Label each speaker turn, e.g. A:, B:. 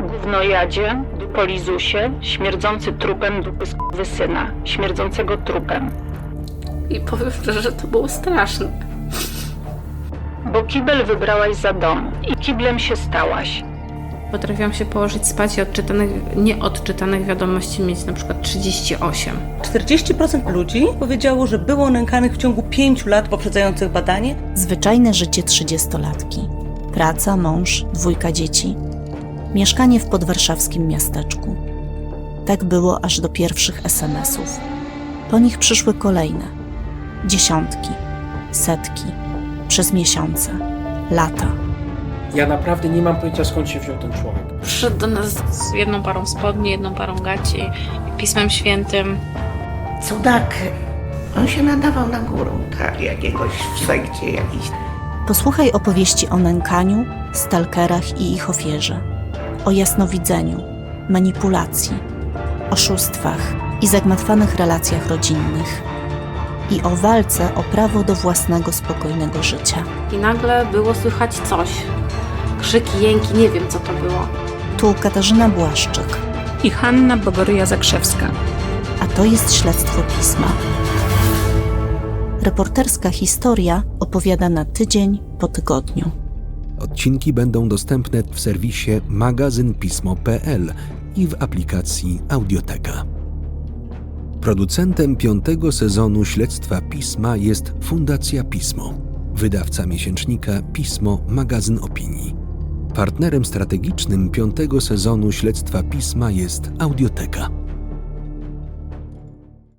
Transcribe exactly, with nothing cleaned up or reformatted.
A: Gównojadzie, dupolizusie, śmierdzący trupem dupy syna, śmierdzącego trupem.
B: I powiem szczerze, że to było straszne.
A: Bo kibel wybrałaś za dom i kiblem się stałaś.
B: Potrafiłam się położyć spać i odczytanych, nieodczytanych wiadomości mieć na przykład trzydzieści osiem.
C: czterdzieści procent ludzi powiedziało, że było nękanych w ciągu pięciu lat poprzedzających badanie.
D: Zwyczajne życie trzydziestolatki. Praca, mąż, dwójka dzieci. Mieszkanie w podwarszawskim miasteczku. Tak było aż do pierwszych es em esów. Po nich przyszły kolejne. Dziesiątki, setki, przez miesiące, lata.
E: Ja naprawdę nie mam pojęcia, skąd się wziął ten człowiek.
B: Przyszedł do nas z jedną parą spodni, jedną parą gaci, Pismem Świętym.
F: Cudak. On się nadawał na górę, tak, jakiegoś w sekcie jakiś.
D: Posłuchaj opowieści o nękaniu, stalkerach i ich ofierze. O jasnowidzeniu, manipulacji, oszustwach i zagmatwanych relacjach rodzinnych. I o walce o prawo do własnego, spokojnego życia.
B: I nagle było słychać coś. Krzyki, jęki, nie wiem co to było.
D: Tu Katarzyna Błaszczyk,
G: i Hanna Bogoryja-Zakrzewska.
D: a to jest Śledztwo Pisma. Reporterska historia opowiada na tydzień po tygodniu.
H: Odcinki będą dostępne w serwisie magazyn pismo kropka pe el i w aplikacji Audioteka. Producentem piątego sezonu Śledztwa Pisma jest Fundacja Pismo, wydawca miesięcznika Pismo Magazyn Opinii. Partnerem strategicznym piątego sezonu Śledztwa Pisma jest Audioteka.